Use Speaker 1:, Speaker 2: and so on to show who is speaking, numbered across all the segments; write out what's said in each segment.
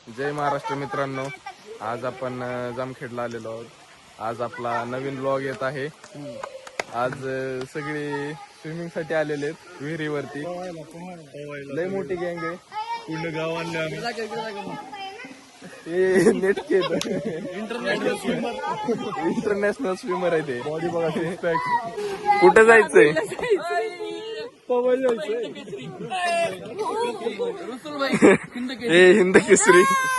Speaker 1: जय महाराष्ट्र मित्रांनो, आज आपण जामखेडला आलेलो आहोत. आज आपला नवीन ब्लॉग येत आहे. आज सगळे स्विमिंग साठी आलेले आहेत विहिरीवरती. लय मोठी गँग आहे, पूर्ण गाव आणले आम्ही. नेटके इंटरनॅशनल स्विमर आहे ते. बॉडी बघा, कुठे जायचंय? हिंद केसरी.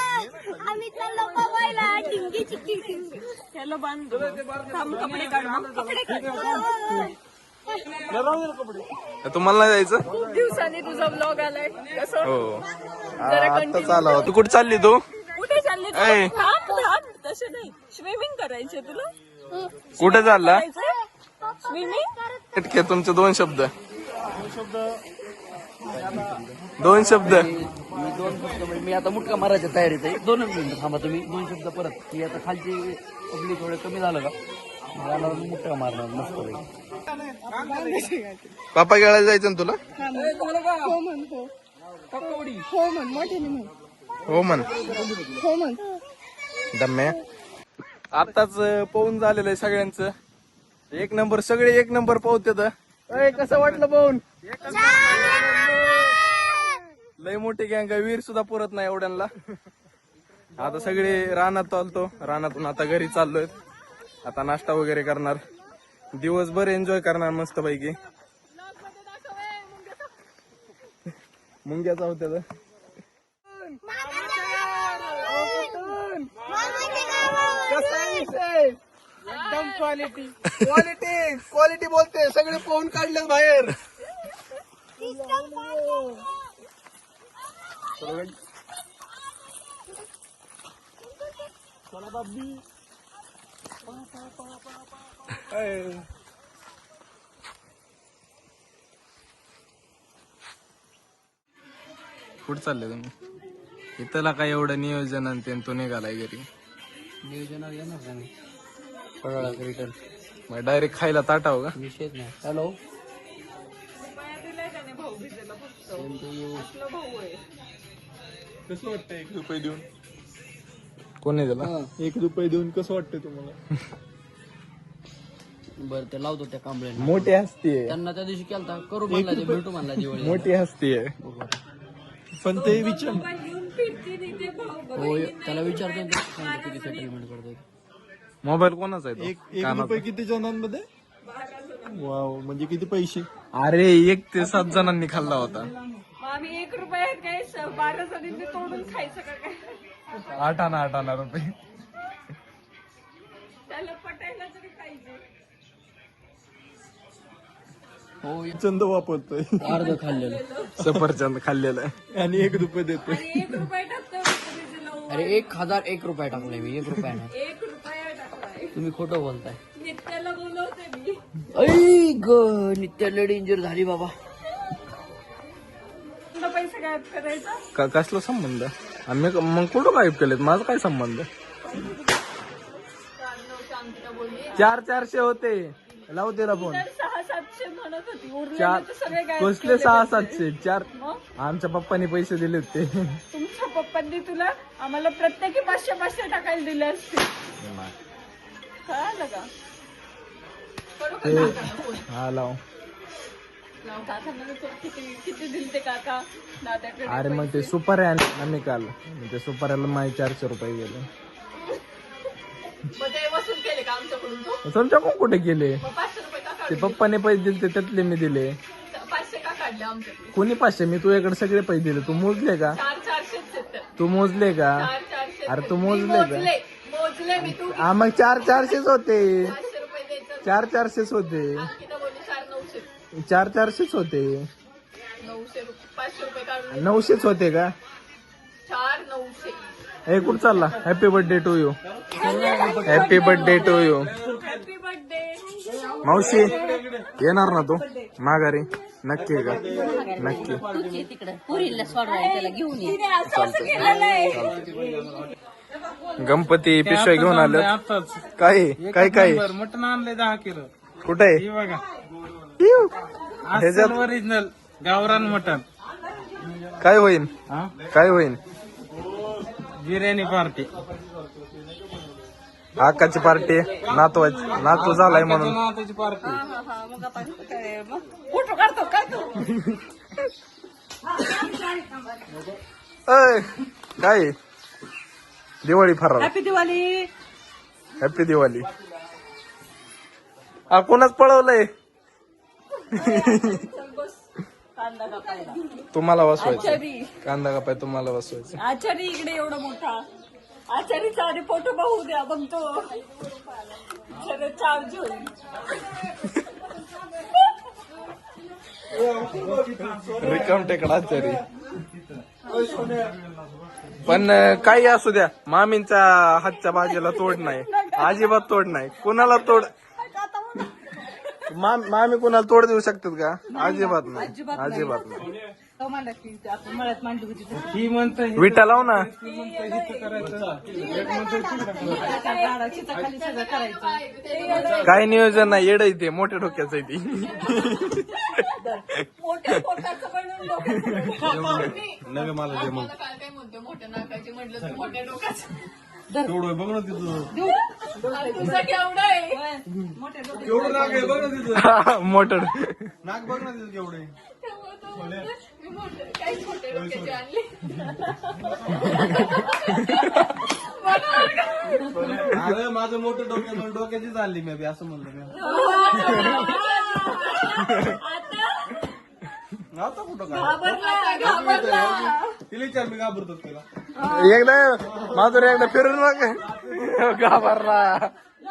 Speaker 1: तुम्हाला नाही जायचं?
Speaker 2: खूप दिवसांनी तुझा ब्लॉग आलाय.
Speaker 1: हो, आता चालला. तू कुठे चालली? तू
Speaker 2: कुठे चालली? तसं नाही, स्विमिंग करायचे तुला.
Speaker 1: कुठे चालला?
Speaker 2: स्विमिंग.
Speaker 1: तुमचे दोन शब्द.
Speaker 3: मी आता मुटका मारायच्या तयारीत आहे. 2 मिनिटं थांबा तुम्ही. 2 शब्द परत. की आता खालची पब्लिक थोडं कमी झालं का, मला मुटका मारणार मस्त.
Speaker 1: पापा खेळायला जायचं ना तुला? हो म्हण. दम्या आताच पाहून झालेलं आहे सगळ्यांचं. 1 नंबर, सगळे 1 नंबर पाहतात. कसं वाटलं पाहून? लय मोठी गँग आहे, वीर सुद्धा पुरत नाही एवढ्यांना. आता सगळे रानात आलतो, रानातून आता घरी चाललोय. आता नाश्ता वगैरे करणार, दिवसभर एन्जॉय करणार मस्त पैकी. मुंग्याचा होत्या एकदम क्वालिटी क्वालिटी बोलते. सगळे पाहून काढले बाहेर. चला बाबी. कुठं चालले तुम्ही? इथला काय एवढं नियोजन आणि तो निघालाय घरी.
Speaker 3: नियोजनावर येणार का मी रिटर्न?
Speaker 1: मग डायरेक्ट खायला ताटाव का?
Speaker 3: विषयच नाही. हॅलो,
Speaker 4: कसं वाटतं 1 रुपये देऊन?
Speaker 1: कोणी दिला?
Speaker 4: 1 रुपये देऊन कसं वाटतंय तुम्हाला?
Speaker 3: बरं ते लावतो त्या कांबळ्यांना.
Speaker 1: मोठी हस्ती आहे,
Speaker 3: त्यांना त्या दिवशी केलता करू म्हणला, ते भेटू म्हणला दिवाळी.
Speaker 1: मोठी हस्ती आहे.
Speaker 4: पण ते विचार
Speaker 3: हो, त्याला विचारतो ना किती सेटलमेंट करतोय.
Speaker 1: मोबाईल कोणाचा आहे?
Speaker 4: 1 रुपये किती जणांमध्ये? वाव, म्हणजे किती पैसे?
Speaker 1: अरे 1 ते 7 जणांनी खाल्ला होता.
Speaker 2: आम्ही 1 रुपये काय 12 जणांनी तोडून खायचं का काय?
Speaker 1: 8 आणा रुपये.
Speaker 2: त्याला पटायला तरी पाहिजे.
Speaker 3: हो,
Speaker 4: चंद वापरतोय
Speaker 3: अर्ध खाल्लेलं.
Speaker 1: सफरचंद खाल्लेलं आहे.
Speaker 4: आणि 1 रुपये देतोय.
Speaker 2: आणि 1 रुपये टाकतो.
Speaker 3: अरे 1001 रुपये टाकले मी. 1 रुपया नाही.
Speaker 2: 1 रुपया टाकलाय.
Speaker 3: तुम्ही खोटं बोलताय.
Speaker 2: नित्याला बोलवते मी.
Speaker 3: ऐ ग, नित्या लय डेंजर झाली बाबा.
Speaker 2: तुला पैसे गायब करायचा?
Speaker 1: कसला संबंध? आम्ही मग कुठं गायब केलेत? माझा काय संबंध? 400 होते. लावू त्याला फोन.
Speaker 2: 600-700 म्हणत होती. उरले
Speaker 1: 4
Speaker 2: तर सगळे गायब
Speaker 1: कसले
Speaker 2: केले.
Speaker 1: 600-700? 4
Speaker 2: मग?
Speaker 1: आमच्या पप्पानी पैसे दिलेत ते.
Speaker 2: तुमच्या पप्पांनी तुला आम्हाला प्रत्येकी 500-500 टाकायला दिले असते. कळालं का? करू का काकांना फोन?
Speaker 1: हा लाव.
Speaker 2: काकांना किती दिले ते काका दादाकडे?
Speaker 1: अरे मग ते सुपारी आणले ना मी काल. ते सुपाऱ्याला माझे 400 रुपये गेले.
Speaker 2: मग ते वसूल केले का आमच्याकडून? तू
Speaker 1: तुमच्याकडून कुठे गेले?
Speaker 2: मग 500 रुपये का
Speaker 1: ते
Speaker 2: काढले?
Speaker 1: पप्पाने पैसे दिले त्यातले मी दिले.
Speaker 2: 500 का काढले आमच्याकडे?
Speaker 1: कोणी 500? मी तुझ्याकडे सगळे पैसे दिले. तू मोजले का?
Speaker 2: 400-400
Speaker 1: तू मोजले का?
Speaker 2: 400.
Speaker 1: अरे तू मोजले का?
Speaker 2: मोजले मी. तू
Speaker 1: हा मग 400-400 होते.
Speaker 2: 500 रुपये द्यायचं.
Speaker 1: 400-400 होते.
Speaker 2: किती बोलली? 400-900.
Speaker 1: 400-400 होते.
Speaker 2: 900 रुपये. 500 रुपये काढून
Speaker 1: 900 होते का?
Speaker 2: 4-900.
Speaker 1: हे कुठं चालला? Happy birthday to you. Happy birthday to you.
Speaker 2: Happy birthday.
Speaker 1: मावशी येणार ना तू माघारी? नक्की का? नक्की.
Speaker 5: तिकडे पुरीला सोडवाय त्याला घेऊन ये.
Speaker 2: तिने असं केलेलं आहे.
Speaker 1: गणपती पिशव्या घेऊन आलं. काय काय काय
Speaker 4: मटण आणलंय 10 किलो.
Speaker 1: कुठे?
Speaker 4: हे बघा,
Speaker 1: ह्याच्यात
Speaker 4: ओरिजिनल गावरान मटण.
Speaker 1: काय होईल? काय होईल?
Speaker 4: बिर्याणी पार्टी.
Speaker 1: आकाची पार्टी नातू झालाय म्हणून.
Speaker 4: नाताची पार्टी.
Speaker 2: फोटो काढतो काय तू
Speaker 1: अय, काय दिवाळी फराळ.
Speaker 2: हॅपी दिवाळी.
Speaker 1: हॅपी दिवाळी. कोणाच पळवलंय
Speaker 2: कांदा कापायला
Speaker 1: तुम्हाला वाचवायचं.
Speaker 2: आचारी
Speaker 1: कांदा कापाय तुम्हाला वाचवायचं.
Speaker 2: आचारी इकडे एवढा मोठा आचारीचा आधी फोटो बघू द्या बघतो सगळं चार्ज होईल.
Speaker 1: रिकाम टेकडा तरी पण काही असू द्या, मामींच्या हातच्या भाजीला तोड नाही, अजिबात तोड नाही. कुणाला तोड मामी कुणाला तोड देऊ शकतात का? अजिबात नाही, अजिबात नाही.
Speaker 4: ही म्हणतं
Speaker 1: विटा लाव ना. काय नियोजन नाही, येड ते मोठ्या डोक्याचं आहे ती.
Speaker 2: मोठ्या पोटाचं बनवून डोक्याचं.
Speaker 4: नवे मला जे मग
Speaker 2: काय म्हणतो मोठ्या नाकाची म्हटलं तर मोठ्या डोक्याचं.
Speaker 4: तेवढं बघ ना तिथं.
Speaker 2: तुझं केवढं आहे
Speaker 4: केवढं नाक आहे बघ ना तिथं.
Speaker 1: मोठं
Speaker 4: नाक बघ ना तिथं केवढं आहे.
Speaker 2: काही छोटे डोक्याचे आणले.
Speaker 4: अरे माझं मोठं डोक्याची चालली मी असं म्हणलं मी. आता कुठं काय तिला विचार मी घाबरतो तिला.
Speaker 1: एकदा माधुर एकदा फिरून बघ. घाबरला.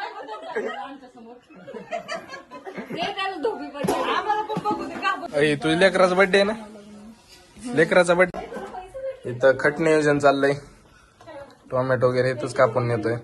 Speaker 1: तुझ्या लेकराचा बर्थडे आहे ना? लेकराचा बर्थडे. इथं खट नियोजन चाललंय. टोमॅटो वगैरे इथंच कापून नेतोय.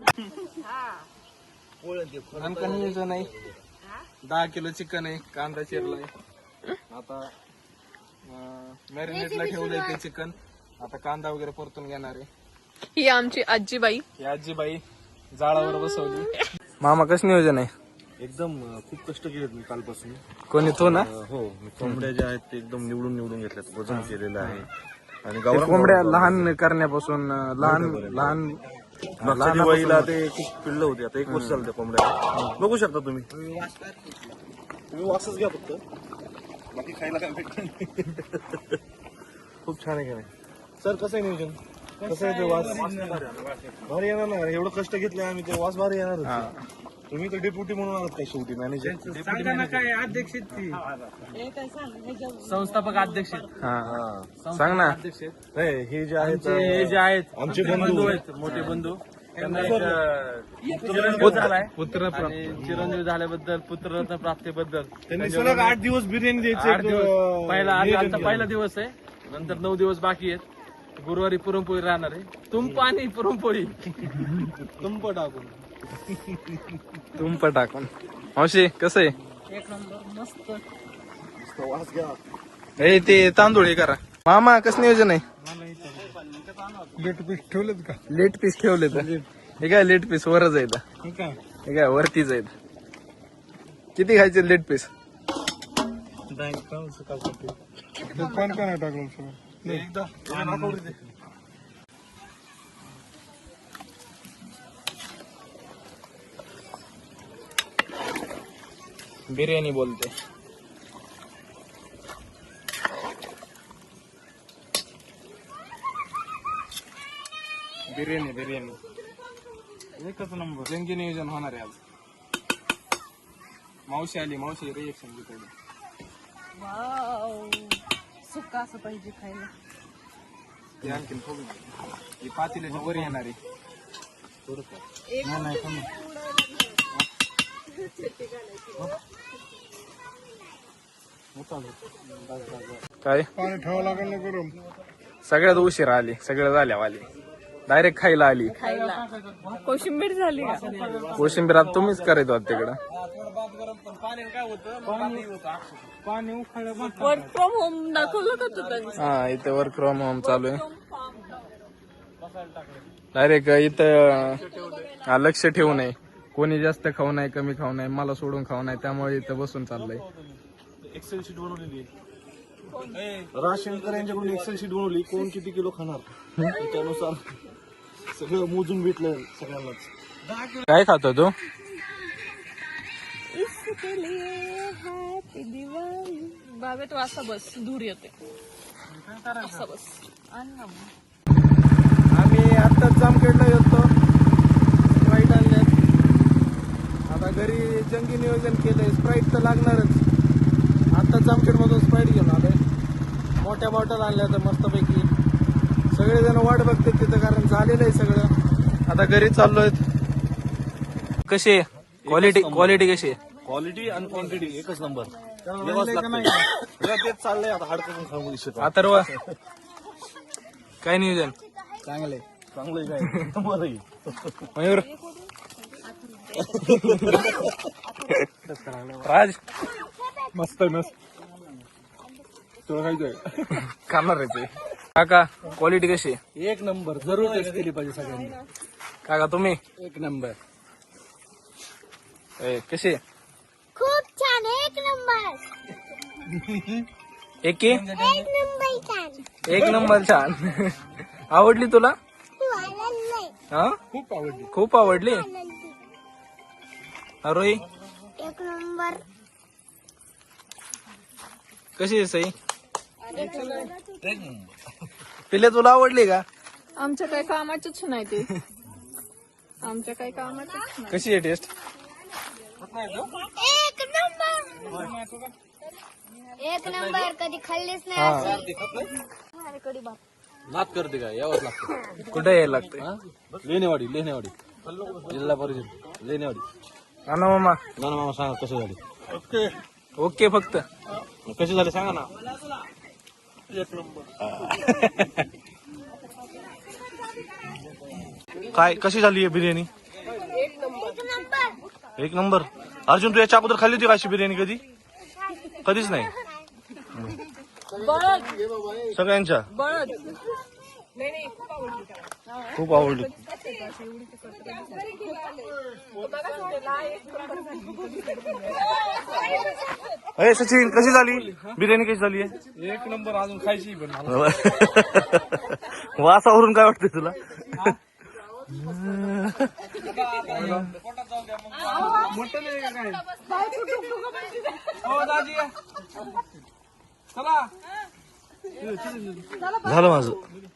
Speaker 1: आमचं नियोजन आहे 10 किलो चिकन आहे, कांदा चिरलाय. आता मॅरिनेटला ठेवलंय ते चिकन. आता कांदा वगैरे परतून घेणार आहे.
Speaker 6: ही आमची आजीबाई.
Speaker 1: ही आजीबाई जाळावर बसवली. मामा कसं नियोजन आहे?
Speaker 7: एकदम खूप कष्ट केलेत मी कालपासून.
Speaker 1: कोणी तो ना?
Speaker 7: हो, कोंबड्या ज्या आहेत ते एकदम निवडून घेतल्यात, वजन केलेलं आहे. आणि
Speaker 1: ते कोंबड्या लहान करण्यापासून लहान
Speaker 7: मागच्या दिवाळीला ते खूप पिल्लं होते. आता 1 वर्ष झालं त्या कोंबड्या. बघू शकता तुम्ही. तुम्ही वासच घ्या फक्त, बाकी खायला काय भेटत. खूप छान आहे का नाही सर? कसं आहे नियोजन? कसं आहे ते वास? भारी येणार ना, एवढं कष्ट घेतले आम्ही, ते वास भारी येणार. तुम्ही तर डेप्युटी म्हणून आहात काय शेवटी, मॅनेजर.
Speaker 4: काय अध्यक्ष संस्थापक अध्यक्ष
Speaker 1: सांग ना.
Speaker 7: नाही, हे जे आहेत
Speaker 4: हे जे आहेत
Speaker 7: आमचे बंधू
Speaker 4: आहेत, मोठे बंधू. त्यांना चिरंजीव झालाय आणि चिरंजीव झाल्याबद्दल, पुत्ररत्न प्राप्तीबद्दल
Speaker 7: त्यांनी सलग 8 दिवस बिर्याणी द्यायचे.
Speaker 4: 8 दिवस पहिला आजचा पहिला दिवस आहे. नंतर 9 दिवस बाकी आहेत. गुरुवारी पुरणपोळी राहणार आहे. तुंप आणि पुरणपोळी
Speaker 7: तुंप टाकून.
Speaker 1: तुंप टाकून. मावशी कसं आहे?
Speaker 2: एक नंबर मस्त.
Speaker 7: वास घ्या.
Speaker 1: हे ते तांदूळ हे करा. मामा कसं नियोजन आहे?
Speaker 4: लेट पीस ठेवलेत का?
Speaker 1: लेट पीस ठेवले तर हे काय लेट पीस वरच आहेत. हे काय वरतीच आहेत. किती खायचे लेट पीस?
Speaker 4: कोण कोण टाकलं सगळं
Speaker 7: एकदा
Speaker 1: बिर्याणी बोलते. बिर्याणी
Speaker 4: एकच नंबर.
Speaker 1: जंगी नियोजन होणार आहे आज. मावशी आली, मावशी रिएक्शन घेतली.
Speaker 2: वाव सुका असं पाहिजे खायला.
Speaker 1: ते आणखीन थोडी ही पातेल्याच्या वर येणार आहे. काय
Speaker 4: पाणी ठेवावं लागेल ना गरम.
Speaker 1: सगळ्यात उशीर आली, सगळं झाल्यावाली. डायरेक्ट खायला आली.
Speaker 2: कोशिंबीर झाली का?
Speaker 1: कोशिंबीर आता तुम्हीच करायचो आहात तिकडं.
Speaker 4: पाणी उखाळलं
Speaker 2: वर्क फ्रॉम होम दाखवलं का तू?
Speaker 1: हा, इथे वर्क फ्रॉम होम चालू आहे. डायरेक्ट इथं लक्ष ठेवू नये. कोणी जास्त खाऊ नये, कमी खाऊ नये, मला सोडून खाऊ नये. त्यामुळे इथं बसून चाललंय.
Speaker 7: एक्सेल शीट बनवलेली राजशंकर यांच्याकडून एक्सेल शीट बनवली, कोण किती किलो खाणार त्यानुसार सगळं मोजून भेटलं सगळ्यांनाच.
Speaker 1: काय खातो तू?
Speaker 6: बाबे तू असा बस, दूर येते असा बस.
Speaker 1: आम्ही आत्ताच जामखेडला येतो, स्प्राईट आणल्यात. आता घरी जंगी नियोजन केलंय, स्प्राईट तर लागणारच. आत्ताच जामखेडमधून स्प्राईट घेऊन आलोय, मोठ्या बॉटल आणल्या तर मस्तपैकी. सगळेजण वाट बघतात तिथं, कारण झालेलं आहे सगळं. आता घरी चाललोय. कशी आहे क्वालिटी कशी आहे?
Speaker 7: क्वालिटी आणि क्वांटिटी एकच नंबर. तेच चाललंय आता, हाड करून खाऊ दिसत.
Speaker 1: अथर्व काय नियोजन?
Speaker 7: चांगलंय काय बरं.
Speaker 1: मयूर राज
Speaker 4: मस्त मस्त तुला खायचंय
Speaker 1: खाणार आहे ते. काका क्वालिटी कशी आहे?
Speaker 3: एक नंबर, जरूर टेस्ट केली पाहिजे सगळ्यांनी.
Speaker 1: काका तुम्ही
Speaker 3: एक नंबर.
Speaker 1: कशी आहे?
Speaker 8: खूप छान, एक नंबर.
Speaker 1: एक
Speaker 8: नंबर छान.
Speaker 1: एक नंबर छान. आवडली तुला?
Speaker 8: तू आनंद
Speaker 1: हा खूप आवडली. अरोही
Speaker 8: एक नंबर.
Speaker 1: कशी आहे सई? पिले तुला आवडली का?
Speaker 6: आमच्या काही कामाचीच नाही ते, आमच्या काही कामाचीच नाही.
Speaker 1: कशी आहे टेस्ट?
Speaker 8: एक नंबर. एक नंबर. कधी खाल्लीच नाही अशी.
Speaker 3: नाद करते का? यावंच लागतं.
Speaker 1: कुठे यायला लागते?
Speaker 3: लेनेवाडी जिल्हा परिषद लेनेवाडी.
Speaker 1: ना मामा
Speaker 3: नाना मामा सांगा कसं झाली.
Speaker 1: ओके फक्त
Speaker 3: कशी झाली सांगा ना.
Speaker 7: काय कशी झाली आहे बिर्याणी? एक नंबर. अर्जुन तू याच्या अगोदर खाल्ली होती का अशी बिर्याणी कधी? कधीच नाही. सगळ्यांच्या खूप आवडली. अरे सचिन कशी झाली बिर्याणी? कशी झाली आहे?
Speaker 4: एक नंबर. अजून खायची पण
Speaker 7: वासावरून काय वाटतंय तुला? झालं माझं.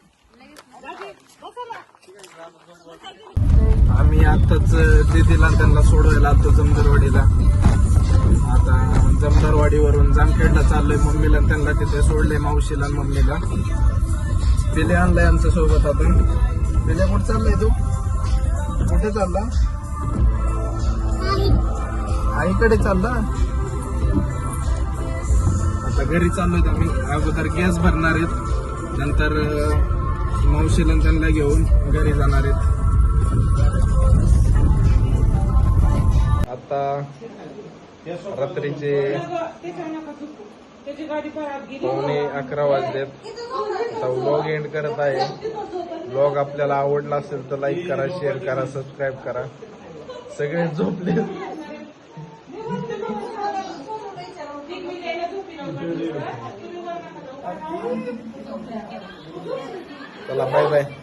Speaker 1: आम्ही आताच दिदीला त्यांना सोडवायला आलो जमदारवाडीला. आता जमदारवाडीवरून जामखेडला चाललोय. मम्मीला आणि त्यांना तिथे सोडले, मावशीला आणि मम्मीला. पिले आणलाय आमच्या सोबत. आता पिले कुठे चाललाय तू? कुठे चालला? आईकडे चालला. आता घरी चाललोय आम्ही. अगोदर गॅस भरणार आहेत, नंतर मावशीला आणि त्यांना घेऊन घरी जाणार आहेत. आता रात्रीचे 11:15 वाजलेत. आता व्लॉग एंड करत आहे. व्लॉग आपल्याला आवडला असेल तर लाईक करा, शेअर करा, सबस्क्राईब करा. सगळे झोपले. चला बाय बाय.